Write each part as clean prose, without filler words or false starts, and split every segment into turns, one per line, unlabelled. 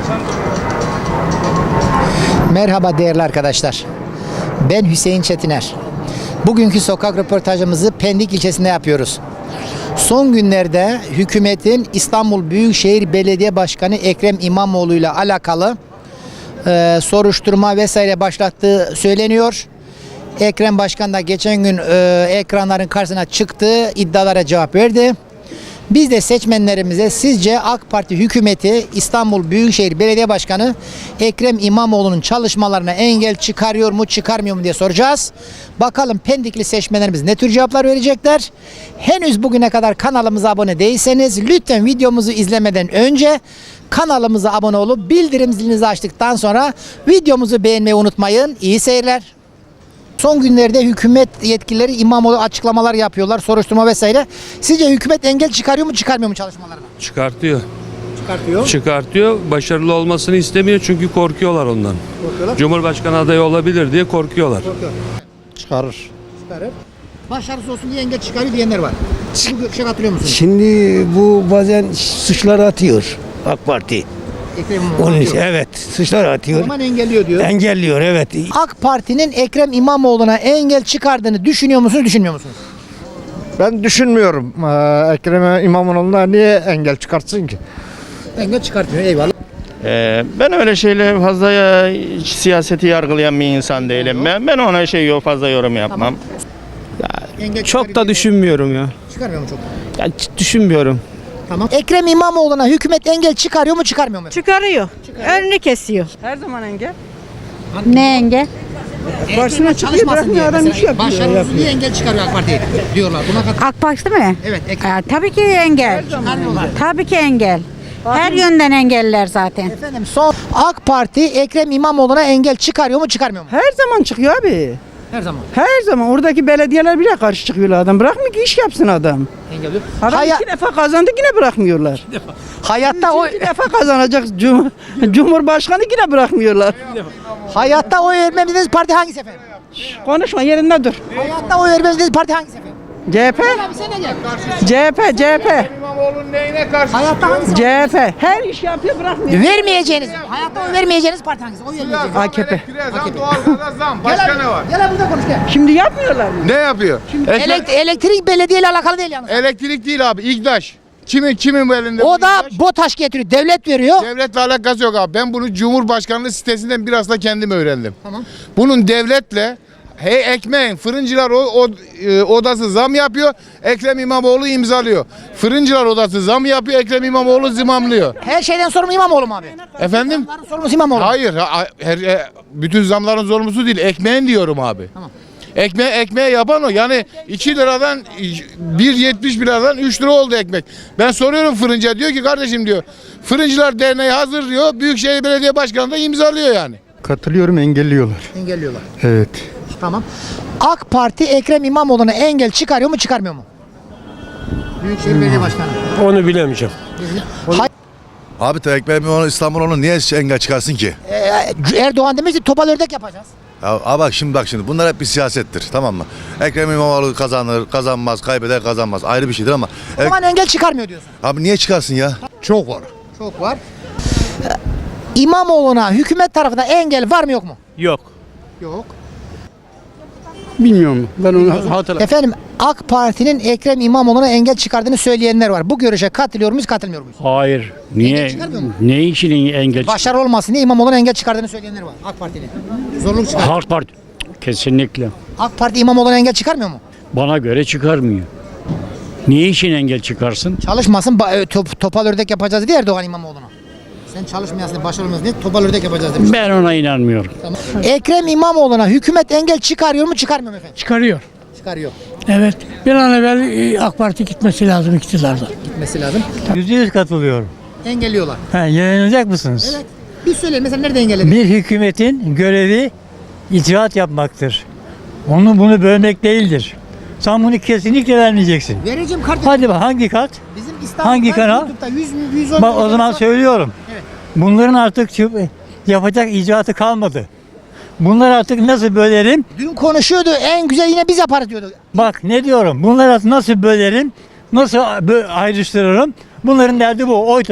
Merhaba değerli arkadaşlar. Ben Hüseyin Çetiner. Bugünkü sokak röportajımızı Pendik ilçesinde yapıyoruz. Son günlerde hükümetin İstanbul Büyükşehir Belediye Başkanı Ekrem İmamoğlu ile alakalı soruşturma vesaire başlattığı söyleniyor. Ekrem Başkan da geçen gün ekranların karşısına çıktı, iddialara cevap verdi. Biz de seçmenlerimize sizce AK Parti hükümeti İstanbul Büyükşehir Belediye Başkanı Ekrem İmamoğlu'nun çalışmalarına engel çıkarıyor mu çıkarmıyor mu diye soracağız. Bakalım Pendikli seçmenlerimiz ne tür cevaplar verecekler. Henüz bugüne kadar kanalımıza abone değilseniz lütfen videomuzu izlemeden önce kanalımıza abone olup bildirim zilinizi açtıktan sonra videomuzu beğenmeyi unutmayın. İyi seyirler. Son günlerde hükümet yetkilileri İmamoğlu açıklamalar yapıyorlar, soruşturma vesaire. Sizce hükümet engel çıkarıyor mu çıkarmıyor mu çalışmalarına?
Çıkartıyor.
Çıkartıyor.
Çıkartıyor. Başarılı olmasını istemiyor çünkü korkuyorlar ondan.
Korkuyorlar.
Cumhurbaşkanı adayı olabilir diye korkuyorlar.
Çıkarır.
Çıkarır. Başarısız olsun diye engel çıkarıyor diyenler var. Bu görüşe katılıyor musunuz?
Şimdi bu bazen suçlar atıyor AK Parti.
Ekrem İmamoğlu
Onun
diyor.
için evet suçlar
O
atıyor.
zaman engelliyor diyor.
Engelliyor evet.
AK Parti'nin Ekrem İmamoğlu'na engel çıkardığını düşünüyor musunuz, düşünmüyor musunuz?
Ben düşünmüyorum. Ekrem İmamoğlu'na niye engel çıkartsın ki?
Engel çıkartmıyor, eyvallah.
Ben öyle şeyle fazla siyaseti yargılayan bir insan değilim. Ben ona fazla yorum yapmam.
Engel
Çok da düşünmüyorum ya.
Çıkarmıyor mu çok?
Ya düşünmüyorum.
Tamam. Ekrem İmamoğlu'na hükümet engel çıkarıyor mu çıkarmıyor mu?
Çıkarıyor. Önünü kesiyor.
Her zaman engel.
Ne engel?
Başına çalışmasın diye mesela. Başarısız diye engel çıkarıyor AK Parti diyorlar. Buna katılıyor.
AK Parti mi?
Evet. Ekrem.
Tabii ki engel.
Çıkarmıyorlar.
Tabii ki engel. Her yönden engeller zaten.
Efendim son AK Parti Ekrem İmamoğlu'na engel çıkarıyor mu çıkarmıyor mu?
Her zaman çıkıyor abi.
Her zaman.
Her zaman oradaki belediyeler bile karşı çıkıyorlar adam. Bırakmıyor ki iş yapsın adam.
Engel yok.
Adam iki defa kazandı yine bırakmıyorlar.
Hayatta o
İki defa kazanacak Cumhurbaşkanı yine bırakmıyorlar.
hayatta oy vermediğiniz parti hangisi efendim?
Konuşma yerinde dur.
Hayatta oy vermediğiniz parti hangisi efendim?
CHP.
Abi sen de gel.
CHP.
Hayatta hangisi?
CHP. Her iş yapıyor bırakmıyor.
Vermeyeceğiniz, hayatta oy vermeyeceğiniz parti hangisi? Oy vermeyeceğiniz.
AKP.
Başka ne var? Gel burada konuş gel.
Şimdi yapmıyorlar mı?
Ne yapıyor?
Elektrik belediye ile alakalı değil yalnız.
Elektrik değil abi, İGDAŞ. Kimin bu elinde?
O
bu
da
İGDAŞ?
BOTAŞ getiriyor, devlet veriyor.
Devletle alakası yok abi. Ben bunu Cumhurbaşkanlığı sitesinden biraz da kendim öğrendim.
Tamam.
Bunun devletle ekmeğin fırıncılar odası zam yapıyor. Ekrem İmamoğlu imzalıyor. Fırıncılar odası zam yapıyor. Ekrem İmamoğlu zimamlıyor.
Her şeyden sorumlu İmamoğlu mu abi?
Efendim?
Zamların sorumlusu İmamoğlu.
Hayır. Bütün zamların sorumlusu değil. Ekmeğin diyorum abi.
Tamam.
Ekmeği yapan o. Yani 2 liradan 1,70 liradan 3 lira oldu ekmek. Ben soruyorum fırıncıya, diyor ki kardeşim diyor, Fırıncılar Derneği hazır diyor. Büyükşehir Belediye Başkanı da imzalıyor yani.
Katılıyorum engelliyorlar.
Engelliyorlar.
Evet.
Tamam. AK Parti Ekrem İmamoğlu'na engel çıkarıyor mu çıkarmıyor mu? Büyükşehir Belediye Başkanı.
Onu bilemeyeceğim.
Abi Ekrem İmamoğlu İstanbul'u niye engel çıkarsın ki?
Erdoğan demiş ki topal ördek yapacağız.
Ya bak şimdi bunlar hep bir siyasettir, tamam mı? Ekrem İmamoğlu kazanır, kazanmaz, kaybeder, kazanmaz, ayrı bir şeydir ama
O zaman engel çıkarmıyor diyorsun.
abi niye çıkarsın ya? Çok var.
Çok var. İmamoğlu'na hükümet tarafından engel var mı yok mu?
Yok.
Yok.
Bilmiyorum. Ben onu hatırlamıyorum.
Efendim AK Parti'nin Ekrem İmamoğlu'na engel çıkardığını söyleyenler var. Bu görüşe katılıyor muyuz, katılmıyor muyuz?
Hayır.
Engel
Niye?
çıkarmıyor mu?
Ne için engel?
Başarı olmasın diye İmamoğlu'na engel çıkardığını söyleyenler var. AK Parti'nin. Zorluk çıkar.
Halk Parti. Kesinlikle.
AK Parti İmamoğlu'na engel çıkarmıyor mu?
Bana göre çıkarmıyor. Niye için engel çıkarsın?
Çalışmasın, topal ördek yapacağız diye Erdoğan İmamoğlu'na. Sen çalışmayasın, başarılı olmasın diye topal ördek yapacağız demiş.
Ben ona inanmıyorum.
Tamam. Ekrem İmamoğlu'na hükümet engel çıkarıyor mu çıkarmıyor mu efendim?
Çıkarıyor.
Çıkarıyor.
Evet. Bir an evvel AK Parti gitmesi lazım iktidardan.
Gitmesi lazım.
%100 katılıyorum.
Engelliyorlar.
Yayınlayacak mısınız?
Evet. Bir söyleyin mesela nerede engelledi?
Bir hükümetin görevi icraat yapmaktır. Bunu bölmek değildir. Sen bunu kesinlikle vermeyeceksin.
Vereceğim kardeşim.
Hadi bak hangi kat?
Bizim İstanbul'da
Hangi kanal?
YouTube'da 110
Bak o zaman söylüyorum.
Evet.
Bunların artık yapacak icraatı kalmadı. Bunlar artık nasıl bölerim?
Dün konuşuyordu, en güzel yine biz yaparız diyordu.
Bak ne diyorum? Bunları nasıl bölerim? Nasıl ayrıştırırım? Bunların derdi bu.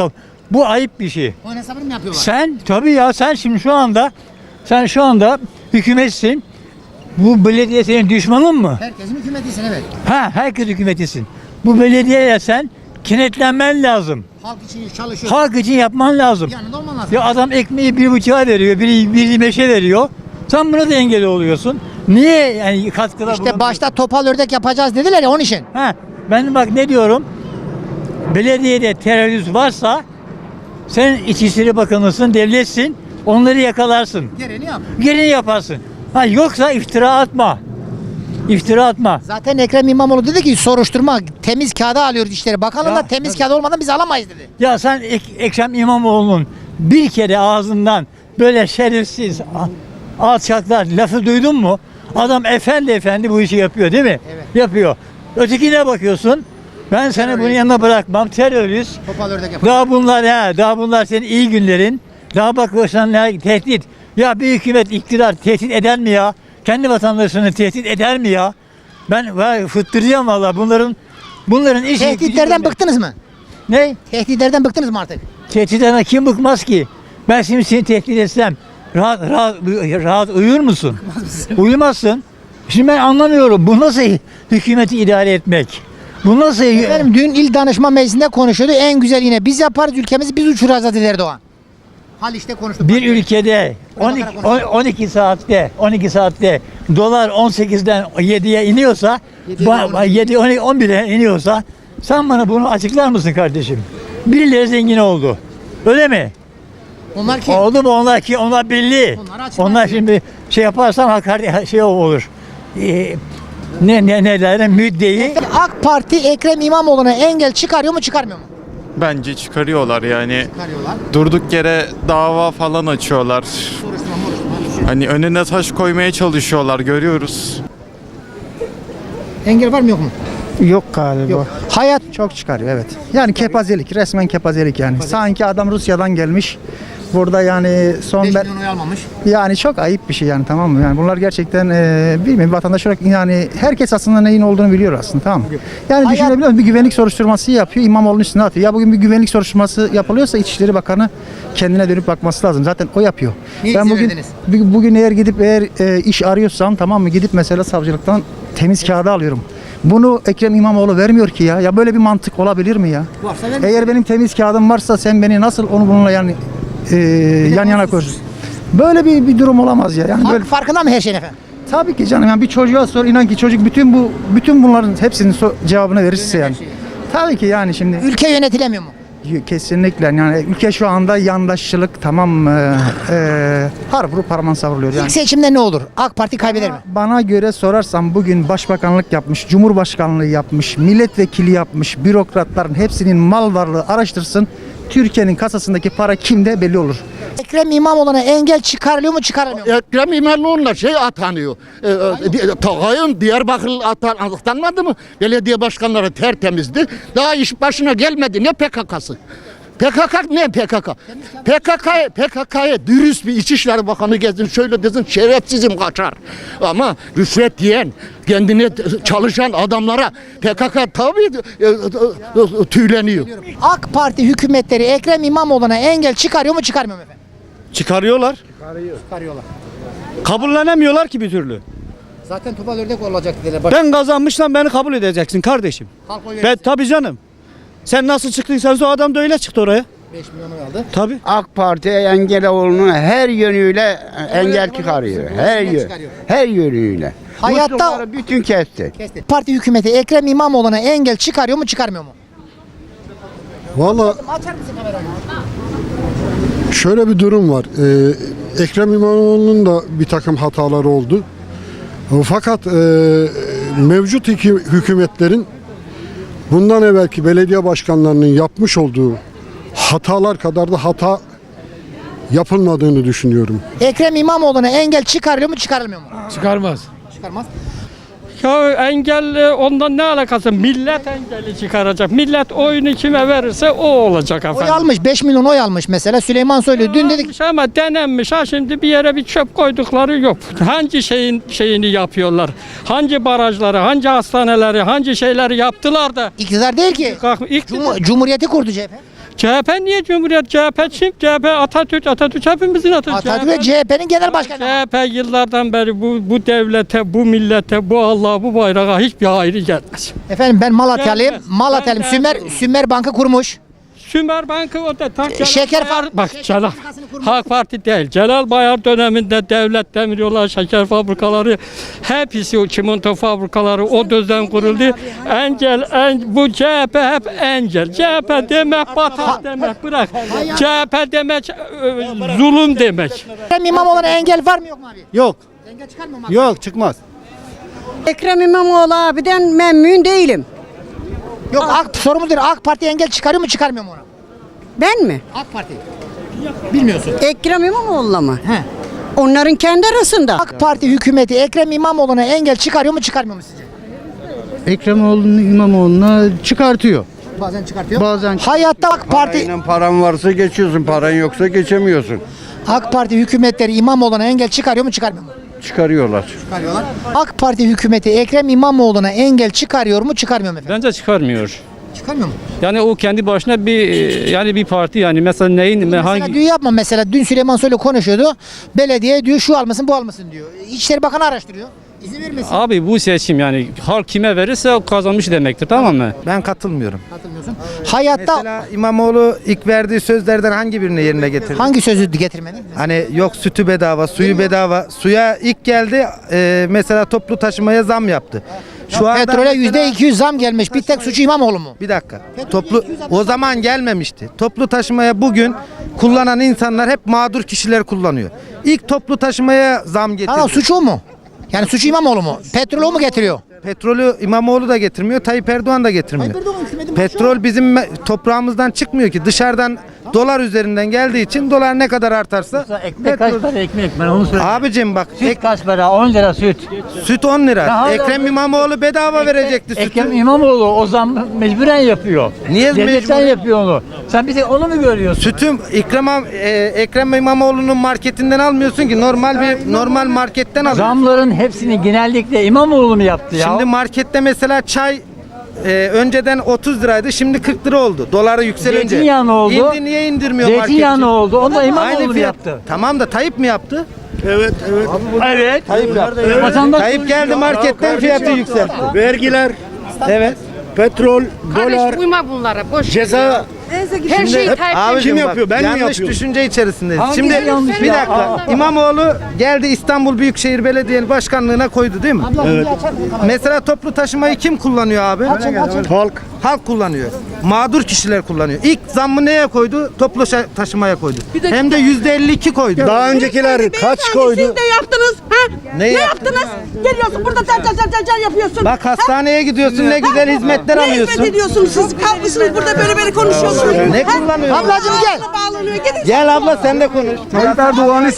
Bu ayıp bir şey.
Onun hesabını mı yapıyorlar?
Sen tabii ya sen şimdi şu anda hükümetsin. Bu belediye senin düşmanın mı?
Herkesin hükümetisin, evet.
Ha, herkes hükümetisin. Bu belediyeye sen kenetlenmen lazım.
Halk için çalışıyor.
Halk için yapman lazım.
Yanında olman lazım.
Ya adam ekmeği 1,5'a veriyor, biri 5'e veriyor. Sen buna da engel oluyorsun. Niye yani katkıda
İşte başta topal ördek yapacağız dediler ya onun için.
Ha, ben bak ne diyorum? Belediyede terörist varsa sen İçişleri Bakanısın, devletsin. Onları yakalarsın.
Gereğini yap.
Gereğini yaparsın. Ha, yoksa iftira atma. İftira atma.
Zaten Ekrem İmamoğlu dedi ki soruşturma temiz kağıda alıyoruz işleri. Bakalım
Ya,
da temiz
tabii.
kağıt olmadan biz alamayız dedi.
Ya sen Ekrem İmamoğlu'nun bir kere ağzından böyle şerefsiz alçaklar lafı duydun mu? Adam efendi bu işi yapıyor değil mi?
Evet.
Yapıyor. Ötekine bakıyorsun. Ben seni bunun yanına bırakmam. Terörist.
Topal ördek yapıyor.
Daha bunlar senin iyi günlerin. Daha bak sen tehdit. Ya bir hükümet iktidar tehdit eder mi ya? Kendi vatandaşını tehdit eder mi ya? Ben fıttıracağım valla bunların işi.
Tehditlerden bıktınız mı?
Ne?
Tehditlerden bıktınız mı artık?
Tehditten kim bıkmaz ki? Ben şimdi seni tehdit etsem rahat uyur musun? Uyumazsın. Şimdi ben anlamıyorum. Bu nasıl hükümeti idare etmek? Bu nasıl?
Efendim dün İl Danışma Meclisi'nde konuşuyordu. En güzel yine biz yaparız ülkemizi biz uçuracağız dedi Erdoğan. Haliç'te konuştuk.
Bir ülkede 12 saatte dolar 18'den 7'ye iniyorsa 7 11'e iniyorsa sen bana bunu açıklar mısın kardeşim? Birileri zengin oldu. Öyle mi?
Onlar kim?
Oldu mu onlar ki? Onlar belli.
Onları açıklar
Onlar
mısın?
şimdi şey yaparsan hakaret olur. Ne derler? Müddeyi.
AK Parti Ekrem İmamoğlu'na engel çıkarıyor mu çıkarmıyor mu?
Bence çıkarıyorlar yani.
Çıkarıyorlar.
Durduk yere dava falan açıyorlar. Hani önüne taş koymaya çalışıyorlar, görüyoruz.
Engel var mı yok mu?
Yok galiba.
Yok. Hayat
Çok çıkarıyor, evet. Yani kepazelik, resmen kepazelik yani. Sanki adam Rusya'dan gelmiş. Burada yani
5
ben
milyon oy almamış.
yani çok ayıp bir şey yani, tamam mı? Yani bunlar gerçekten bilmiyorum, vatandaş olarak yani herkes aslında neyin olduğunu biliyor aslında, tamam mı? Yani
Hayat-
düşünebiliyor musun? Bir güvenlik soruşturması yapıyor, İmamoğlu'nun üstüne atıyor. Ya bugün bir güvenlik soruşturması yapılıyorsa İçişleri Bakanı kendine dönüp bakması lazım. Zaten o yapıyor.
Niye
Ben
izin
bugün
verdiniz?
bugün eğer iş arıyorsam, tamam mı? Gidip mesela savcılıktan temiz kağıdı alıyorum. Bunu Ekrem İmamoğlu vermiyor ki ya. Ya böyle bir mantık olabilir mi ya?
Varsa verin.
Eğer benim temiz kağıdım varsa sen beni nasıl onu bununla yani yan yana koyuyorsun? Böyle bir durum olamaz ya. Yani böyle,
Farkında mı her şeyin efendim?
tabii ki canım, yani bir çocuğa sor, inan ki çocuk bütün bunların hepsinin cevabını verirse yani. Tabii ki yani şimdi
Ülke yönetilemiyor mu?
kesinlikle yani ülke şu anda yandaşçılık, tamam mı? Har vurup parmağın savruluyor yani.
İlk seçimde ne olur? AK Parti kaybeder mi?
Bana göre sorarsan bugün başbakanlık yapmış, cumhurbaşkanlığı yapmış, milletvekili yapmış, bürokratların hepsinin mal varlığı araştırsın. Türkiye'nin kasasındaki para kimde belli olur.
Ekrem İmamoğlu'na engel çıkarılıyor mu çıkarılmıyor mu?
Ekrem İmamoğlu'na atanıyor. Tağay'ın Diyarbakır atanmadı mı? Belediye başkanları tertemizdi. Daha iş başına gelmedi. Ne PKK'sı? PKK ne PKK? PKK'ya dürüst bir İçişleri Bakanı gezsin, şöyle desin, şerefsizim kaçar. Ama rüşvet yiyen, kendine çalışan adamlara PKK tabii tüyleniyor.
AK Parti hükümetleri Ekrem İmamoğlu'na engel çıkarıyor mu çıkarmıyor mu efendim?
Çıkarıyorlar.
Çıkarıyorlar.
Kabullenemiyorlar ki bir türlü.
Zaten topal ördek olacak dediler.
Ben kazanmışsam beni kabul edeceksin kardeşim.
Halk oy
Ben
verirse
tabii canım. Sen nasıl çıktıysan o adam da öyle çıktı oraya.
5 milyon oy aldı.
Tabii.
AK Parti Engeloğlu'nu her yönüyle engel çıkarıyor. Her yönüyle.
Hayatta-
Muslukları bütün kesti.
Kesti. Parti hükümeti Ekrem İmamoğlu'na engel çıkarıyor mu çıkarmıyor mu?
Valla
Açar mısın kamerayı?
şöyle bir durum var. Ekrem İmamoğlu'nun da bir takım hataları oldu. Fakat mevcut hükümetlerin bundan evvelki belediye başkanlarının yapmış olduğu hatalar kadar da hata yapılmadığını düşünüyorum.
Ekrem İmamoğlu'na engel çıkarılıyor mu çıkarılmıyor mu?
Çıkarmaz.
Çıkarmaz.
Ya engel ondan ne alakası? Millet engeli çıkaracak. Millet oyunu kime verirse o olacak efendim.
Oy almış 5 milyon oy almış mesela Süleyman Soylu. Dün dedik
Almış ama denenmiş ha şimdi bir yere bir çöp koydukları yok. Hangi şeyini yapıyorlar? Hangi barajları, hangi hastaneleri, hangi şeyleri yaptılar da
iktidar değil ki.
İktidar-
Cumhuriyeti kurdu CHP.
CHP niye Cumhuriyet? CHP kim? CHP Atatürk hepimizin Atatürk.
Atatürk CHP'nin genel başkanı.
CHP yıllardan beri bu devlete, bu millete, bu Allah'a, bu bayrağa hiçbir hayrı gelmez.
Efendim ben Malatyalıyım.
Gelmez.
Malatyalıyım.
Ben
Sümer Bank'ı kurmuş.
Sümer Bankı o da tam
Şeker
Bak Celal Halk Parti değil. Celal Bayar döneminde devlet demiryolları, şeker fabrikaları, hepsi o çimento fabrikaları o dönem kuruldu. Bu CHP hep engel. CHP demek batak demek bırak. CHP demek zulüm demek.
Ekrem İmamoğlu'na engel var mı yok mu abi?
Yok.
Engel çıkar mı?
Yok çıkmaz.
Ekrem İmamoğlu abiden memnun değilim.
Yok sorumuz değil. AK Parti engel çıkarıyor mu çıkarmıyor mu ona?
Ben mi?
AK Parti. Bilmiyorsun.
Ekrem İmamoğlu'na mı?
He.
Onların kendi arasında.
AK Parti hükümeti Ekrem İmamoğlu'na engel çıkarıyor mu çıkarmıyor mu sizce?
Ekrem İmamoğlu'na çıkartıyor.
Bazen çıkartıyor.
Bazen
Hayatta AK Parti
Paran varsa geçiyorsun, paran yoksa geçemiyorsun.
AK Parti hükümetleri İmamoğlu'na engel çıkarıyor mu çıkarmıyor mu?
Çıkarıyorlar.
Çıkarıyorlar. AK Parti hükümeti Ekrem İmamoğlu'na engel çıkarıyor mu çıkarmıyor mu efendim?
Bence çıkarmıyor.
Çıkarmıyor mu?
Yani o kendi başına bir parti yani mesela
Mesela diyor yapma mesela dün Süleyman Soylu konuşuyordu. Belediye diyor şu almasın bu almasın diyor. İçişleri Bakanı araştırıyor. İzin vermesin.
Abi bu seçim yani halk kime verirse o kazanmış demektir, tamam mı?
ben katılmıyorum.
Katılmıyorsun. Hayatta
Mesela İmamoğlu ilk verdiği sözlerden hangi birini yerine getirdi?
hangi sözü getirmedi?
Hani yok sütü bedava, suyu bedava. Suya ilk geldi mesela toplu taşımaya zam yaptı. Şu anda
Petrole
mesela-
%200 zam gelmiş. Bir tek suçu İmamoğlu mu?
Bir dakika. O zaman gelmemişti. Toplu taşımaya bugün kullanan insanlar hep mağdur kişiler kullanıyor. İlk toplu taşımaya zam getirdi.
Tamam suçu o mu? Yani suçu İmamoğlu mu? Petrolü o mu getiriyor?
Petrolü İmamoğlu da getirmiyor, Tayyip Erdoğan da getirmiyor. Petrol bizim toprağımızdan çıkmıyor ki. Dışarıdan dolar üzerinden geldiği için dolar ne kadar artarsa
Ekmek kaç para ekmek, ben onu söyleyeyim.
abicim bak
Süt kaç para? 10 lira süt.
süt 10 lira.
Ya hala-
Ekrem İmamoğlu bedava verecekti sütü.
Ekrem İmamoğlu o zam mecburen yapıyor.
Niye
Devletten
mecbur?
yapıyor onu. Sen bir tek onu mu görüyorsun?
Sütüm Ekrem İmamoğlu'nun marketinden almıyorsun ki normal marketten alıyorsun.
Zamların hepsini genellikle İmamoğlu mu yaptı ya?
Şimdi markette mesela çay önceden 30 liraydı, şimdi 40 lira oldu. Doları yükselince.
Zeytinyağı ne oldu?
İndi, niye indirmiyor
Zeytinyağı
marketçi?
ne oldu? Onu da
Aynı
İmamoğlu mu
fiyat.
yaptı?
Tamam da Tayyip mi yaptı?
Evet.
Tayyip yaptı.
Vatandaş
Tayyip geldi marketten fiyatı yükseltti.
Vergiler,
Evet.
petrol, dolar,
Uyma bunlara boş.
ceza.
Her şeyi
Abicim
Kim
bak,
yapıyor, ben mi
yanlış
yapıyorum?
düşünce içerisindeyiz.
Hangisi
Şimdi
yanlış
bir
ya?
dakika. İmamoğlu geldi İstanbul Büyükşehir Belediye Başkanlığı'na koydu değil mi?
Evet.
Mesela toplu taşımayı kim kullanıyor abi?
Halk.
Halk kullanıyor. Mağdur kişiler kullanıyor. İlk zammı neye koydu? Toplu taşımaya koydu. Hem de %52 koydu.
Daha öncekiler kaç koydu?
Siz de yaptınız. Ha?
Ne
yaptınız? Geliyorsun burada cal yapıyorsun.
Bak hastaneye gidiyorsun, ne güzel hizmetler alıyorsun.
ediyorsunuz siz? Kalkmışsınız burada böyle konuşuyorsunuz.
Ne kullanıyorsun?
Ablacığım gel.
Bağlanıyor. Gidin.
Gel abla sen de konuş.
Tayyip Erdoğan'ı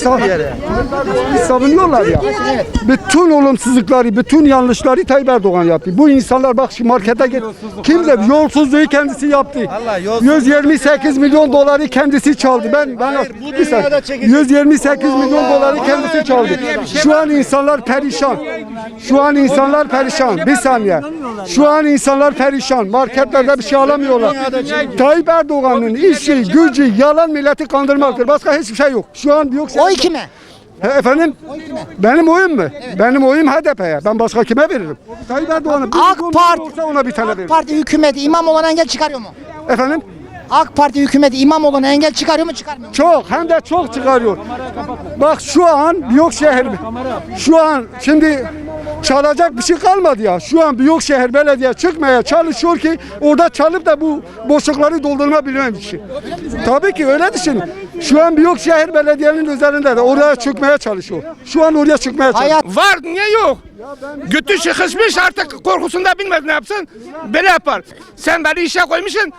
savunuyorlar ya. Bütün olumsuzlukları, bütün yanlışları Tayyip Erdoğan yaptı. Bu insanlar bak şu markete git. Kimse yolsuzluğu kendisi yaptı.
Allah yolsuzluğu-
128 milyon doları kendisi çaldı. Ben bir saniye. 128 milyon doları kendisi çaldı. Şu an insanlar perişan. Şu an insanlar perişan. Bir saniye. Şu an insanlar perişan. Marketlerde bir şey alamıyorlar. Tayyip Erdoğan'ın işi, gücü, yalan milleti kandırmaktır. Başka hiçbir şey yok. Şu an yok.
Oy kime?
Efendim? Benim oyum mu? Benim oyum HDP'ye. Ben başka kime veririm? Tayyip Erdoğan'a
AK Parti,
olsa ona bir tane
AK
veririm.
Parti hükümeti İmamoğlu'na engel çıkarıyor mu?
Efendim?
AK Parti hükümeti İmamoğlu'na engel çıkarıyor mu çıkarmıyor mu?
Çok hem de çok çıkarıyor. Bak şu an Büyükşehir şu an şimdi çalacak bir şey kalmadı ya. Şu an Büyükşehir Belediye çıkmaya çalışıyor ki orada çalıp da bu boşlukları doldurmabilmem için. Tabii ki öyle düşün. Şu an Büyükşehir Belediye'nin üzerinde de oraya çıkmaya çalışıyor. Şu an oraya çıkmaya çalışıyor.
Hayat
Var niye yok? Götü sıkışmış artık korkusunda bilmez ne yapsın. Böyle yapar. Sen beni işe koymuşsun.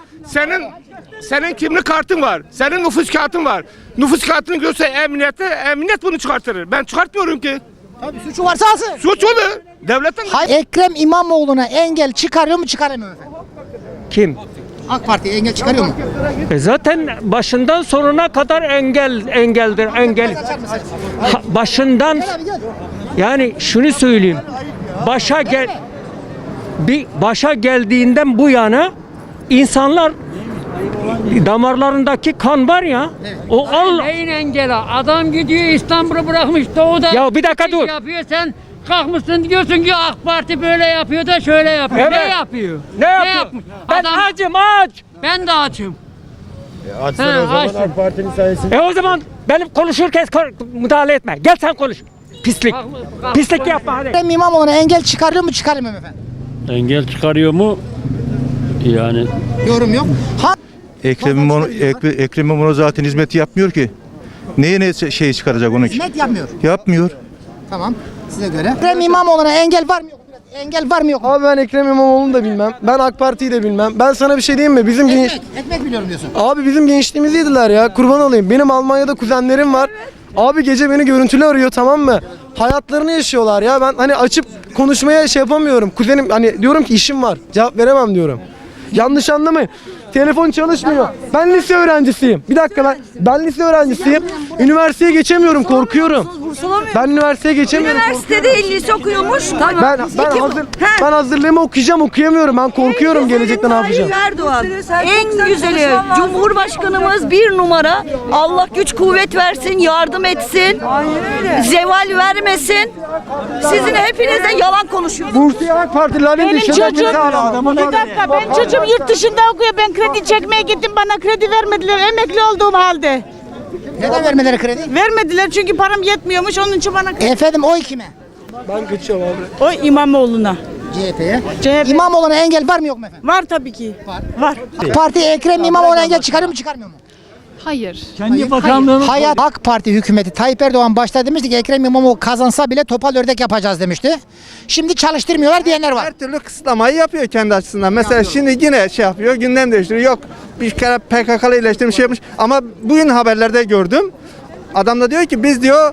Senin kimlik kartın var. Senin nüfus kağıtın var. Nüfus kağıtını görse emniyet bunu çıkartır. Ben çıkartmıyorum ki.
tabii suçu varsa alsın.
Suç olur. Devletin
Ekrem İmamoğlu'na engel çıkarıyor mu çıkaramıyor mu efendim?
Kim?
AK Parti engel çıkarıyor mu?
Zaten başından sonuna kadar engeldir. Başından yani şunu söyleyeyim. Başa geldiğinden bu yana insanlar Damarlarındaki kan var ya. O Allah.
Neyin engeli? Adam gidiyor İstanbul'u bırakmış doğuda.
Ya bir dakika dur.
Yapıyor sen kalkmışsın diyorsun ki AK Parti böyle yapıyor da şöyle yapıyor.
Evet.
Ne yapıyor?
Ne yapıyor?
yapmış?
Ben açım aç.
Ben de açım.
Açsın o zaman AK Parti'nin sayesinde.
O zaman benim konuşurken müdahale etme. Gel sen konuş. Pislik. Pislik yapma hadi.
Ekrem İmamoğlu'na engel çıkarılıyor mu çıkarılmıyor mu efendim?
Engel çıkarıyor mu? Yani
Yorum yok.
Ekrem İmamoğlu zaten hizmeti yapmıyor ki. Neye ne şey çıkaracak onu ki?
Hizmet yapmıyor.
Yapmıyor.
Tamam. Size göre. Ekrem İmamoğlu'na engel var mı yok mu? Engel var mı yok mu?
Abi ben Ekrem İmamoğlu'nu da bilmem. Ben AK Parti'yi de bilmem. Ben sana bir şey diyeyim mi?
Ekmek biliyorum diyorsun.
Abi bizim gençliğimizi yediler ya. Kurban olayım. Benim Almanya'da kuzenlerim var. Abi gece beni görüntülü arıyor, tamam mı? Hayatlarını yaşıyorlar ya. Ben hani açıp konuşmaya şey yapamıyorum. Kuzenim hani diyorum ki işim var. Cevap veremem diyorum. Yanlış anlamayın. Telefon çalışmıyor. Ben lise öğrencisiyim. Bir dakika lan. Ben lise öğrencisiyim. Üniversiteye geçemiyorum, korkuyorum. Ben üniversiteye geçemiyorum.
Üniversitede lise okuyormuş.
Ben hazırlığımı okuyacağım, okuyamıyorum. Ben korkuyorum gelecekte ne yapacağım.
Erdoğan. En güzeli. Cumhurbaşkanımız bir numara. Allah güç kuvvet versin, yardım etsin. Zeval vermesin. Sizin hepiniz de yalan konuşuyorsunuz.
Bursiye AK Partilerin
Benim
dışında
çocuğum,
bir
dakika, benim çocuğum yurt dışında okuyor. Ben kredi çekmeye gittim, bana kredi vermediler emekli olduğum halde.
Neden vermeleri kredi?
Vermediler çünkü param yetmiyormuş, onun için bana kredi.
Efendim oy kime?
Ben kaçıyorum abi.
O İmamoğlu'na.
CHP'ye. İmamoğlu'na engel var mı yok mu efendim?
Var tabii ki. Var.
Parti Ekrem İmamoğlu'na engel çıkarıyor mu çıkarmıyor mu?
Hayır.
Kendi bakanlığını
Hayat AK Parti hükümeti Tayyip Erdoğan başta demişti ki Ekrem İmamoğlu kazansa bile topal ördek yapacağız demişti. Şimdi çalıştırmıyorlar diyenler var.
Her türlü kısıtlamayı yapıyor kendi açısından. Mesela şimdi yine şey yapıyor, gündem değiştiriyor. Yok bir kere PKK'lı iyileştirmiş şey yapmış. Ama bugün haberlerde gördüm. Adam da diyor ki biz diyor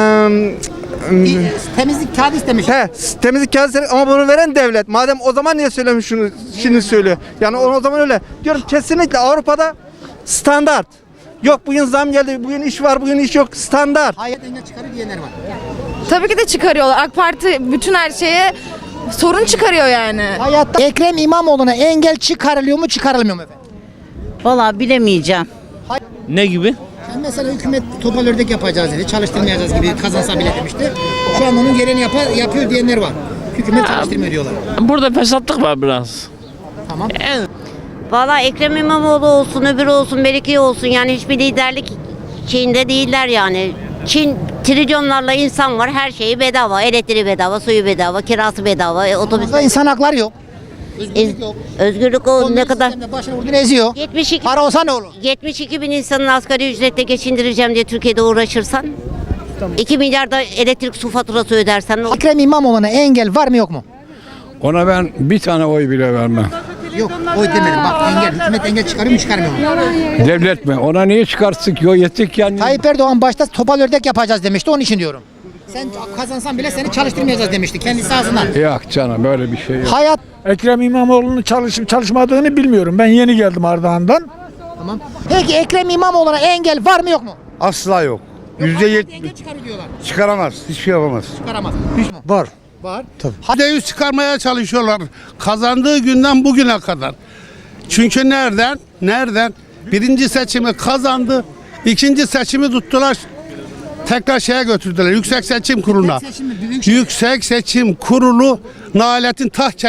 Temizlik kağıdı istemiş.
temizlik kağıdı istemiş ama bunu veren devlet. Madem o zaman niye söylemiş şunu şimdi söylüyor. Yani o zaman öyle. Diyorum kesinlikle Avrupa'da standart. Yok bugün zam geldi, bugün iş var, bugün iş yok. Standart.
Hayat engel çıkarıyor diyenler var.
Tabii ki de çıkarıyorlar. AK Parti bütün her şeye sorun çıkarıyor yani.
Hayatta Ekrem İmamoğlu'na engel çıkarılıyor mu çıkarılmıyor mu efendim?
Vallahi bilemeyeceğim.
ne gibi?
Yani mesela hükümet topal ördek yapacağız dedi, çalıştırmayacağız gibi kazansa bile demişti. Şu an onun gereğini yapıyor diyenler var. Hükümet çalıştırmıyor diyorlar.
Burada fesatlık var biraz.
Tamam.
Vallahi Ekrem İmamoğlu olsun, öbürü olsun, Melike olsun yani hiçbir liderlik şeyinde değiller yani. Çin trilyonlarla insan var, her şeyi bedava, elektriği bedava, suyu bedava, kirası bedava, otobüs.
Burada insan hakları yok. Özgürlük yok.
Özgürlük o ne kadar?
Başına vurduğunu eziyor.
72
Para olsa ne olur?
72 bin insanın asgari ücretle geçindireceğim diye Türkiye'de uğraşırsan 2 milyar da elektrik su faturası ödersen ne olur?
Ekrem İmamoğlu'na engel var mı yok mu?
Ona ben bir tane oy bile vermem.
Yok, oy demedim. Bak engel, hükümet engel çıkarıyor mu çıkarmıyor mu?
Devlet mi? Ona niye çıkarsın ki? O yetik yani.
Tayyip Erdoğan başta topal ördek yapacağız demişti, onun için diyorum. Sen kazansan bile seni çalıştırmayacağız demişti kendisi ağzından.
Yok canım böyle bir şey yok.
Hayat.
Ekrem İmamoğlu'nun çalışıp çalışmadığını bilmiyorum. Ben yeni geldim Ardahan'dan.
Tamam. Peki Ekrem İmamoğlu'na engel var mı yok mu?
Asla yok.
Engel çıkarıyor diyorlar.
Çıkaramaz. Hiçbir şey yapamaz.
Çıkaramaz.
Var.
Var.
%100 çıkarmaya çalışıyorlar. Kazandığı günden bugüne kadar. Çünkü nereden? Birinci seçimi kazandı. İkinci seçimi tuttular. Tekrar şeye götürdüler. Yüksek Seçim Kurulu'na. Yüksek Seçim Kurulu Nahilet'in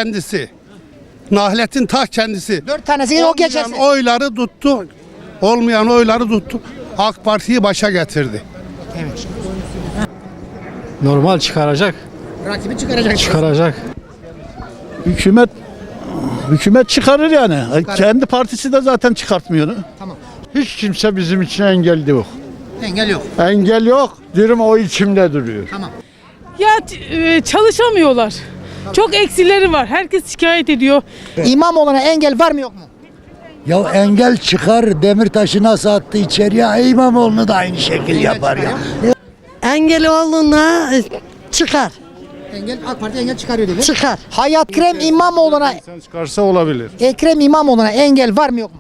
kendisi.
4 tanesi o geçerse.
Olmayan oyları tuttu. AK Parti'yi başa getirdi.
Evet.
Normal çıkaracak.
Rakibi çıkaracak.
Çıkaracak. Hükümet çıkarır yani. Kendi partisi de zaten çıkartmıyor.
Tamam.
Hiç kimse bizim için engel yok.
Engel yok.
Engel yok. Diyorum o içimde duruyor.
Tamam.
Ya çalışamıyorlar. Çok eksileri var. Herkes şikayet ediyor.
İmamoğlu'na engel var mı yok mu?
Ya engel çıkar, Demirtaş'ı nasıl attı içeriye, İmamoğlu'nu da aynı şekil yapar ya.
Engeloğlu'na çıkar.
Engel AK Parti engel çıkarıyor dedi.
Çıkar.
Hayat Ekrem İmamoğlu'na
Çıkarsa olabilir.
Ekrem İmamoğlu'na engel var mı yok mu?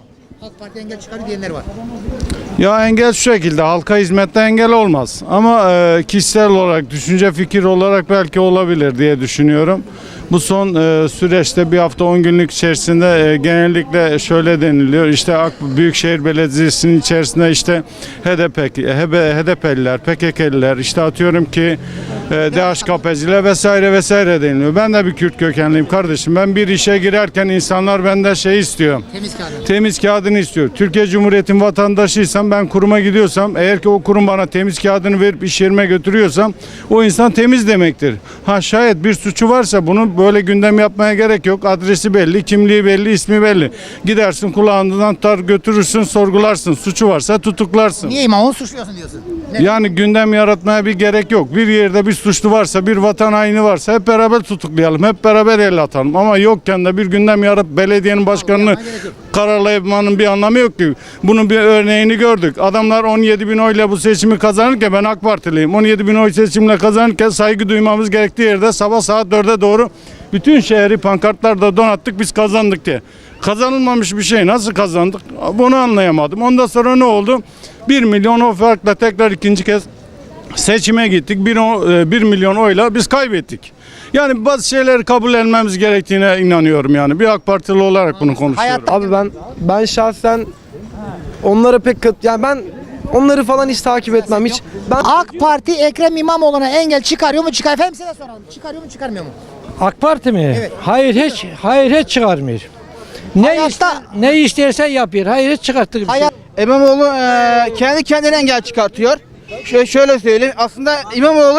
AK Parti engel çıkarıyor diyenler var.
Ya engel şu şekilde, halka hizmette engel olmaz. Ama kişisel olarak, düşünce fikir olarak belki olabilir diye düşünüyorum. Bu son süreçte bir hafta 10 günlük içerisinde genellikle şöyle deniliyor. İşte Büyükşehir Belediyesi'nin içerisinde işte HDP'liler, PKK'liler, işte atıyorum ki DHKP'ciler vesaire vesaire deniliyor. Ben de bir Kürt kökenliyim kardeşim. Ben bir işe girerken insanlar benden şey istiyor.
Temiz kağıdı.
Temiz kağıdını istiyor. Türkiye Cumhuriyeti'nin vatandaşıysam, ben kuruma gidiyorsam, eğer ki o kurum bana temiz kağıdını verip iş yerime götürüyorsam o insan temiz demektir. Ha şayet bir suçu varsa bunu böyle gündem yapmaya gerek yok. Adresi belli, kimliği belli, ismi belli. Gidersin kulağından tutar götürürsün, sorgularsın. Suçu varsa tutuklarsın.
Niye İmamoğlu suçluyorsun diyorsun?
Yani gündem yaratmaya bir gerek yok. Bir yerde bir suçlu varsa, bir vatan haini varsa hep beraber tutuklayalım. Hep beraber el atalım. Ama yokken de bir gündem yaratıp belediyenin başkanını kararlamanın bir anlamı yok ki. Bunun bir örneğini gördük. Adamlar 17 bin oyla bu seçimi kazanırken, ben AK Partiliyim. 17 bin oy seçimle kazanırken saygı duymamız gerektiği yerde sabah saat 4'e doğru bütün şehri pankartlarda donattık, biz kazandık diye. Kazanılmamış bir şey nasıl kazandık? Bunu anlayamadım. Ondan sonra ne oldu? 1 milyon o farkla tekrar ikinci kez seçime gittik. 1 milyon oyla biz kaybettik. Yani bazı şeyleri kabul etmemiz gerektiğine inanıyorum yani. Bir AK Partili olarak bunu konuşuyorum.
Abi ben şahsen onlara yani ben onları falan hiç takip etmem hiç.
AK Parti Ekrem İmamoğlu'na engel çıkarıyor mu? Efendim size soralım. Çıkarıyor mu çıkarmıyor mu?
AK Parti mi?
Evet.
Hayır hiç çıkarmıyor. Ne istersen yapıyor. Hayır hiç çıkarttık.
İmamoğlu kendi kendine engel çıkartıyor. Şöyle söyleyeyim. Aslında İmamoğlu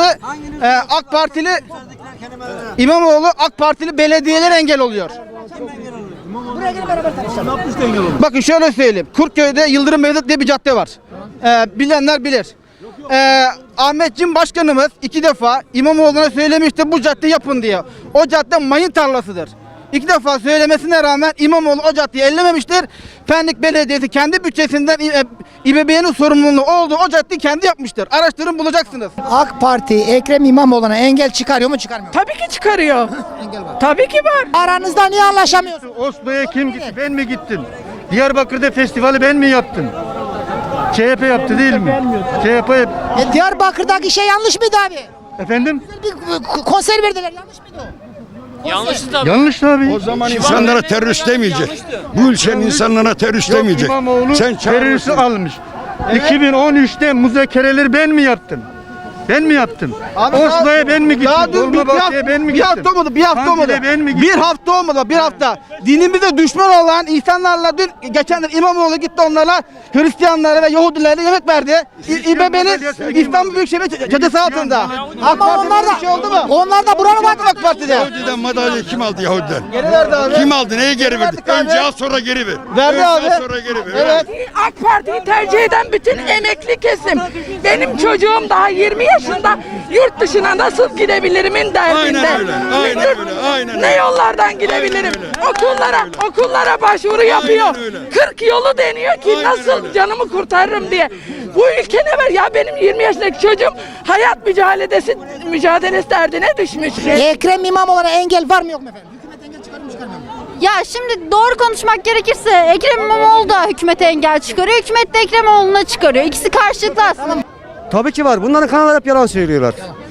AK Partili belediyeler engel oluyor.
Buraya gelin beraber tartışalım.
Bakın şöyle söyleyeyim. Kurtköy'de Yıldırım Mevlüt diye bir cadde var. Bilenler bilir. Ahmet Cim Başkanımız 2 defa İmamoğlu'na söylemişti bu cadde yapın diye. O cadde mayın tarlasıdır. 2 defa söylemesine rağmen İmamoğlu o caddeyi ellememiştir. Pendik Belediyesi kendi bütçesinden İBB'nin sorumluluğu olduğu o caddeyi kendi yapmıştır. Araştırın bulacaksınız.
AK Parti Ekrem İmamoğlu'na engel çıkarıyor mu çıkarmıyor mu?
Tabii ki çıkarıyor.
Engel var.
Tabii ki var.
Aranızda niye anlaşamıyorsunuz?
Oslo'ya kim gitti? Ben mi gittim? Diyarbakır'da festivali ben mi yaptım? CHP yaptı değil mi? CHP
Diyarbakır'daki şey yanlış mıydı abi?
efendim?
Bir konser verdiler, yanlış mıydı o?
Yanlış tabii.
O zaman insanlara terörist demeyecek. Bu ülkenin insanlara terörist demeyecek.
İmamoğlu
Sen
teröristi almış. 2013'te müzakereleri ben mi yaptım? Ben mi yaptım? Oslo'ya ben mi gittim? Dolmabahçe'ye ben mi gittim?
Bir hafta olmadı.
Kandil'e ben mi gittim?
Bir hafta olmadı, bir hafta. Dinimize düşman olan insanlarla dün geçen İmamoğlu gitti onlarla Hristiyanlara ve Yahudilerle yemek verdi. İBB'nin İstanbul Büyükşehir Caddesi altında.
Ama onlar da,
şey oldu mu?
onlar da buranın
AK Parti'de.
Yahudiden madalya kim aldı Yahudiden?
Geri verdi abi.
Kim aldı? Neye geri verdi?
Verdik abi.
Önce al sonra geri ver.
Verdi
Önce
abi.
al sonra geri ver.
Evet.
AK Parti'yi tercih eden bütün emekli kesim. Benim çocuğum daha 20 yaşında yurt dışına nasıl gidebilirimin derdinde.
Aynen öyle, aynen öyle, aynen
Ne
öyle.
yollardan gidebilirim? Okullara başvuru yapıyor.
öyle.
40 yolu deniyor ki
Aynen
nasıl
öyle.
canımı kurtarırım diye. Bu ülke ne var ya, benim 20 yaşındaki çocuğum hayat mücadelesi derdine düşmüş.
Ekrem İmamoğlu'na engel var mı yok mu efendim? Hükümet engel çıkarıyor mu çıkarmıyor mu?
Ya şimdi doğru konuşmak gerekirse Ekrem İmamoğlu da hükümete engel çıkarıyor. Hükümet de Ekrem İmamoğlu'na çıkarıyor. İkisi karşılıklı aslında.
Tabii ki var. Bunların kanallar hep yalan söylüyorlar.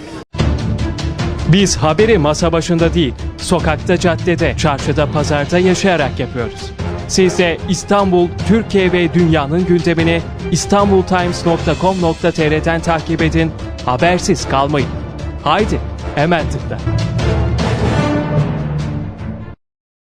Biz haberi masa başında değil, sokakta, caddede, çarşıda, pazarda yaşayarak yapıyoruz. Siz de İstanbul, Türkiye ve dünyanın gündemini istanbultimes.com.tr'den takip edin, habersiz kalmayın. Haydi, hemen tıkla.